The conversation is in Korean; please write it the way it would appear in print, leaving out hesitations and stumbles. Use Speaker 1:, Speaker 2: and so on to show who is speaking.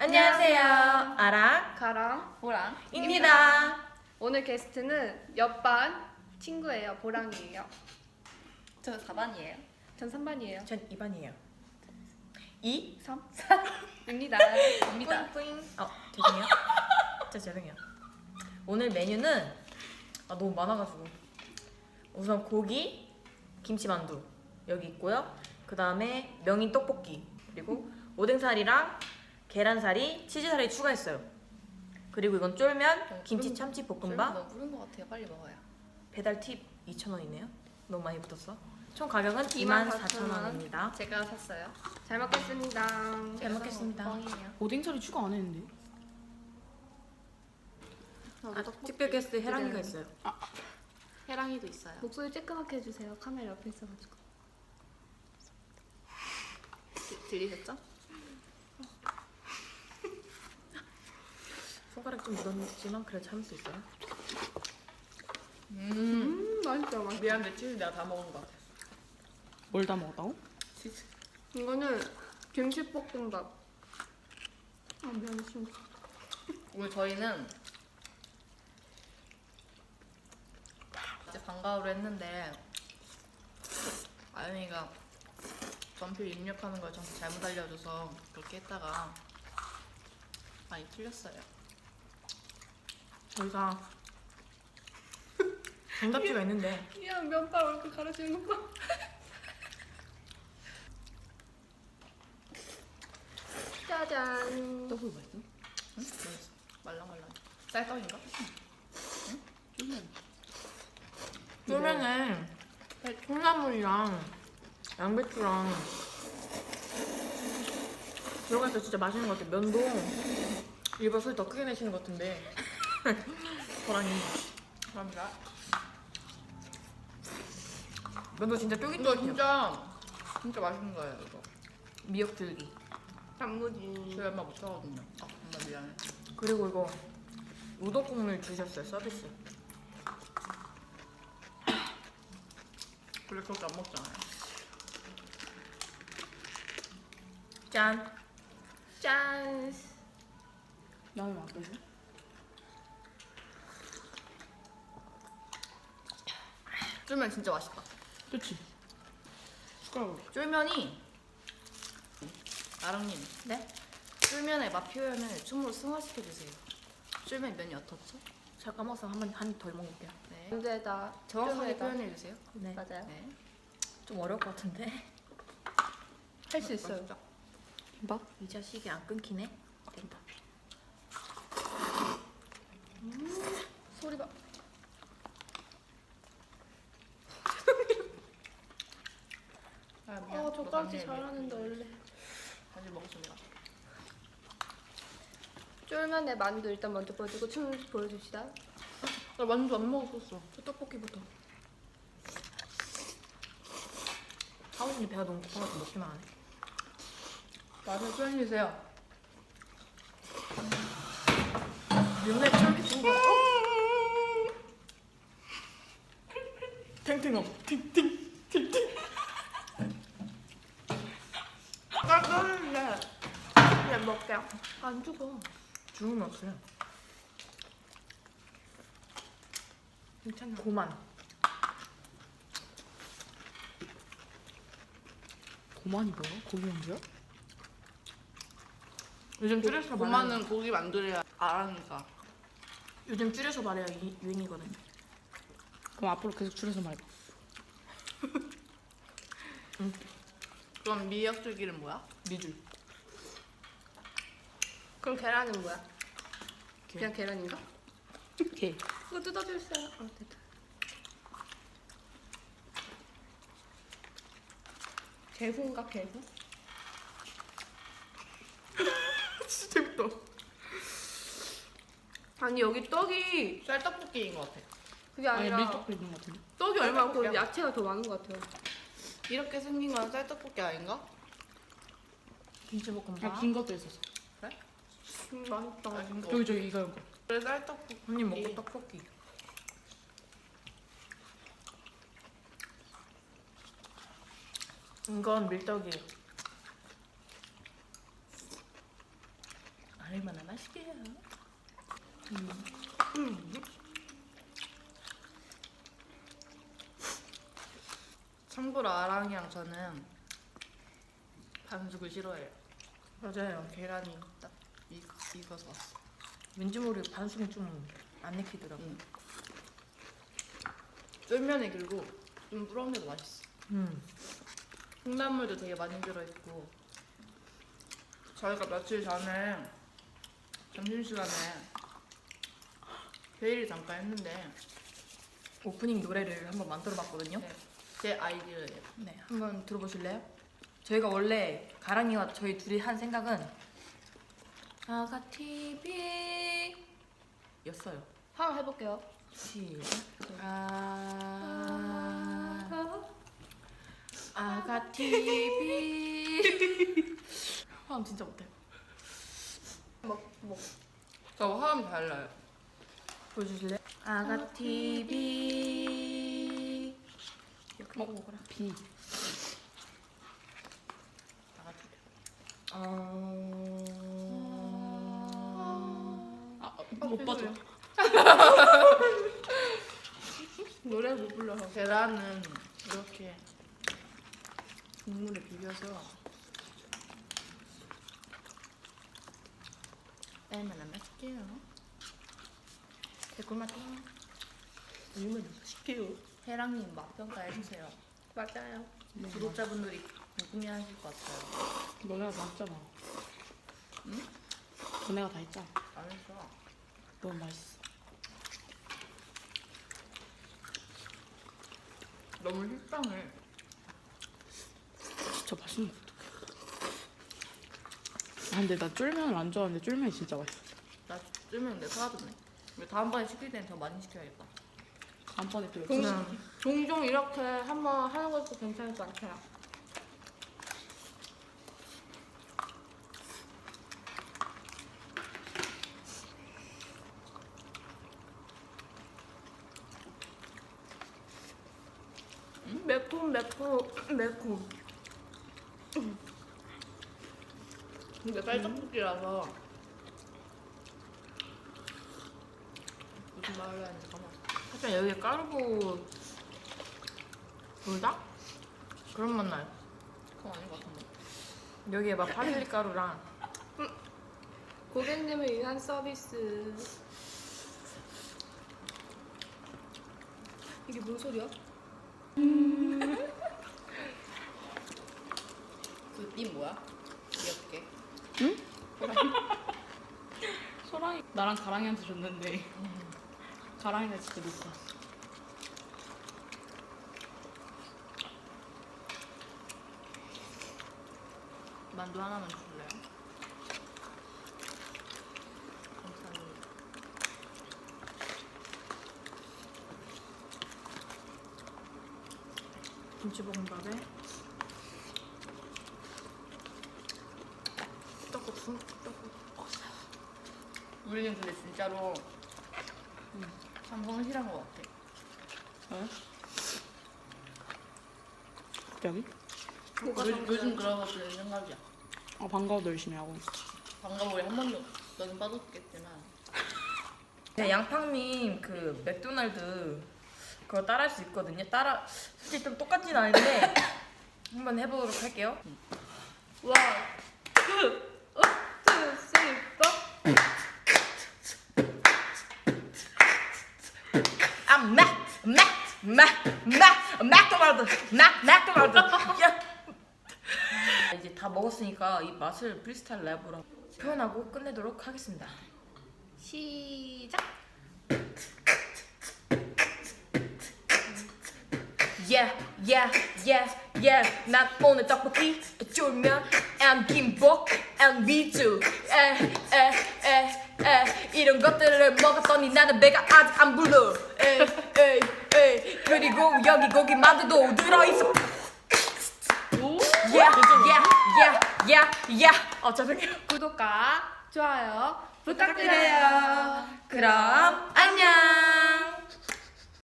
Speaker 1: 안녕하세요. 아랑
Speaker 2: 가랑
Speaker 1: 보랑입니다.
Speaker 2: 오늘 게스트는 옆반 친구예요. 보랑이에요.
Speaker 3: 저 4반이에요.
Speaker 2: 전 3반이에요.
Speaker 1: 전 2반이에요. 2,
Speaker 2: 3? 입니다.
Speaker 3: 입니다.
Speaker 1: 뿌잉. 죄송해요. 진짜 죄송해요. 오늘 메뉴는 너무 많아가지고 우선 고기, 김치만두 여기 있고요. 그 다음에 명인 떡볶이 그리고 오뎅살이랑 계란살이, 치즈살이 추가했어요. 그리고 이건 쫄면, 김치 참치 볶음밥.
Speaker 3: 너무 부른 것 같아요. 빨리 먹어요.
Speaker 1: 배달 팁 2,000원이네요. 너무 많이 붙었어. 총 가격은
Speaker 2: 24,000원.
Speaker 1: 24,000원입니다.
Speaker 2: 제가 샀어요. 잘 먹겠습니다.
Speaker 1: 잘 먹겠습니다.
Speaker 3: 뻥이에요.
Speaker 4: 오뎅살이 추가 안 했는데?
Speaker 1: 특별 게스트 혜랑이가 있어요.
Speaker 3: 해랑이도 있어요.
Speaker 2: 목소리 쬐끄맣게 해주세요. 카메라 옆에 있어가지고.
Speaker 3: 들리셨죠?
Speaker 1: 손가락 좀 묻었지만 그래도 참을 수 있어요.
Speaker 2: 맛있죠, 맛있어.
Speaker 3: 미안한데 치즈 내가 다 먹은 것 같아.
Speaker 4: 뭘 다 먹었다고?
Speaker 3: 치즈.
Speaker 2: 이거는 김치볶음밥. 미안해, 친구.
Speaker 3: 오늘 저희는 이제 방과후를 했는데 아영이가 전필 입력하는 걸 저한테 잘못 알려줘서 그렇게 했다가 많이 틀렸어요.
Speaker 1: 저희가 정답지가 있는데
Speaker 2: 그냥 면발 얼굴 가려지는 거 봐. 짜잔.
Speaker 4: 떡을 맛있어?
Speaker 3: 응? 맛있어. 말랑말랑. 쌀떡인가?
Speaker 1: 쫄면에 콩나물이랑 양배추랑 들어가 있어 진짜 맛있는 것 같아요. 면도 일부러 소리 더 크게 내시는 것 같은데 호랑이
Speaker 3: 감사합니다.
Speaker 1: 면도 진짜
Speaker 3: 이거
Speaker 1: 쫄깃쫄깃해요.
Speaker 3: 진짜 맛있는 거예요. 이거.
Speaker 1: 미역 줄기
Speaker 2: 단무지.
Speaker 3: 저희 엄마 못하거든요. 엄마 미안해.
Speaker 1: 그리고 이거 우동 국물 주셨어요. 서비스.
Speaker 3: 원래 그렇게 안 먹잖아요.
Speaker 1: 짠.
Speaker 2: 짠.
Speaker 4: 나는 안 빼줘?
Speaker 3: 쫄면 진짜 맛있다.
Speaker 4: 그치? 숟가락으로.
Speaker 3: 쫄면이 아랑님
Speaker 1: 네?
Speaker 3: 쫄면의 맛 표현을 춤으로 승화시켜 주세요. 쫄면 면이 어떻죠?
Speaker 1: 제가 까먹어서 한 덜 먹을게요.
Speaker 3: 네.
Speaker 2: 언제다.
Speaker 3: 정확하게
Speaker 2: 쫄면에다.
Speaker 3: 표현해 주세요.
Speaker 1: 네.
Speaker 2: 맞아요.
Speaker 3: 네.
Speaker 1: 좀 어려울 것 같은데.
Speaker 2: 할 수 있어요.
Speaker 3: 맛있죠?
Speaker 4: 김밥?
Speaker 1: 이 자식이 안 끊기네. 된다.
Speaker 2: 소리 봐.
Speaker 3: 아, 미안.
Speaker 2: 젓가락질
Speaker 3: 너
Speaker 2: 잘하는데 원래.
Speaker 3: 다시 먹었습니다.
Speaker 2: 쫄면에 만두 일단 먼저 보여주고 춤 보여줍시다.
Speaker 3: 나 만두 안 먹었었어.
Speaker 1: 저 떡볶이부터. 하우진이 배가 너무 고파서 먹기만 하네.
Speaker 3: 맛을 표현해 주세요.
Speaker 1: 면에 쫄깃한 거. 탱탱업. 탱탱.
Speaker 2: 깜깜한데. 그냥 먹게요.
Speaker 1: 안 죽어. 죽으면 없어요. 괜찮아. 고만.
Speaker 4: 고만이 뭐야? 고기 만두야?
Speaker 1: 요즘 줄여서 말해요.
Speaker 3: 고마는 고기 만두래야 아랑이가.
Speaker 1: 요즘 줄여서 말해야 유행이거든요.
Speaker 4: 그럼 앞으로 계속 줄여서 말해봐.
Speaker 3: 그럼 미역줄기는 뭐야?
Speaker 1: 미줄.
Speaker 2: 그럼 계란은 뭐야? 그냥 계란인가?
Speaker 4: 게.
Speaker 2: 그거 뜯어주세요. 됐다. 개훈가 개훈?
Speaker 1: 진짜 재밌다.
Speaker 2: 아니 여기 떡이
Speaker 3: 쌀떡볶이인 것 같아.
Speaker 2: 그게
Speaker 4: 아니
Speaker 2: 아니라
Speaker 4: 밀떡도 있는 것 같은데?
Speaker 2: 떡이 얼마나 그
Speaker 3: 쌀떡볶이야.
Speaker 2: 야채가 더 많은 것 같아요.
Speaker 3: 이렇게 생긴 건 쌀떡볶이 아닌가?
Speaker 1: 김치볶음밥.
Speaker 4: 아, 긴 것도 있었어.
Speaker 2: 맛있다.
Speaker 3: 아, 긴 거.
Speaker 4: 저기 이거 이거.
Speaker 3: 그래 쌀떡볶이.
Speaker 1: 언니 먹고 떡볶이. 이건 밀떡이에요.
Speaker 3: 얼마나 맛있게요. 참고로 아랑이랑 저는 반숙을 싫어해요.
Speaker 1: 맞아요.
Speaker 3: 계란이 딱 익어서 왔어.
Speaker 1: 왠지 모르게 반숙이 좀 안 익히더라고.
Speaker 3: 쫄면이 그리고 좀 부러운데도 맛있어. 콩나물도 되게 많이 들어있고. 저희가 며칠 전에 점심시간에 회의를 잠깐 했는데
Speaker 1: 오프닝 노래를 한번 만들어봤거든요.
Speaker 3: 네, 제 아이디어예요.
Speaker 1: 네, 한번 들어보실래요? 저희가 원래 가랑이와 저희 둘이 한 생각은 아가 TV 였어요.
Speaker 2: 한번 해볼게요.
Speaker 1: 시작. 아가 TV. 화음 진짜 못해.
Speaker 3: 저 화음이 달라요.
Speaker 1: 보여주실래요? 아가 TV. 이렇게 먹어라.
Speaker 4: 비.
Speaker 3: 나같이.
Speaker 4: 못 빠져.
Speaker 3: 노래 못 불러서. 계란은 이렇게 국물에 비벼서 얼마나 맛있게요.
Speaker 1: 개꿀맛.
Speaker 4: 얼마나 맛있게요.
Speaker 3: 해랑님 맛 평가해주세요.
Speaker 2: 맞아요.
Speaker 3: 구독자분들이 궁금해하실 것 같아요.
Speaker 4: 너네가 다 했잖아.
Speaker 3: 응?
Speaker 4: 너네가 다 했잖아.
Speaker 3: 안 했어.
Speaker 4: 너무 맛있어.
Speaker 3: 너무 식상해.
Speaker 4: 진짜 맛있는 것 같아. 아, 근데 나 쫄면을 안 좋아하는데 쫄면이 진짜 맛있어.
Speaker 3: 나 쫄면 내 사라졌네. 왜 다음번에 시킬 때는 더 많이 시켜야겠다.
Speaker 4: 다음번에 또
Speaker 2: 종,
Speaker 4: 역시
Speaker 2: 종종 이렇게 한번 하는 것도 괜찮을 것 같아요. 매콤.
Speaker 3: 근데 쌀떡볶이라서 무슨 말을 하는지 까먹었어.
Speaker 1: 하여튼 여기 까르보 불닭? 그런 맛 나요.
Speaker 3: 그건 아닌 것 같은데.
Speaker 1: 여기에 막 파슬리 가루랑
Speaker 2: 고객님을 위한 서비스. 이게 뭔 소리야?
Speaker 3: 그님 뭐야? 귀엽게.
Speaker 4: 소랑이 나랑 가랑이한테 줬는데 가랑이가 진짜 놓고 왔어.
Speaker 3: 만두 하나만 줄래요? 감사합니다.
Speaker 1: 김치볶음밥에 떡국수.
Speaker 3: 우리는 근데 진짜로 참 성실한 것 같아.
Speaker 4: 왜? 갑자기?
Speaker 3: 요즘 들어서 드는 생각이야.
Speaker 4: 아, 방과후도 열심히 하고 있어.
Speaker 3: 방금 우리 한 번도 너는 빠졌겠지만
Speaker 1: 네, 양팡님 그 맥도날드 그거 따라할 수 있거든요. 솔직히 좀 똑같진 않은데 한번 해보도록 할게요.
Speaker 2: 원, 투, 쓰리, 포.
Speaker 1: 맥도날드. 야. 이제 다 먹었으니까 이 맛을 프리스타일 랩으로 표현하고 끝내도록 하겠습니다.
Speaker 2: 시작.
Speaker 1: 난 오늘 떡볶이 쫄면 and 김복 and 미주 이런 것들을 먹었더니 나는 배가 아직 안 불러. 그리고 여기 고기 만두도 들어있어. 죄송해요.
Speaker 2: 구독과 좋아요 부탁드려요.
Speaker 1: 그럼 안녕.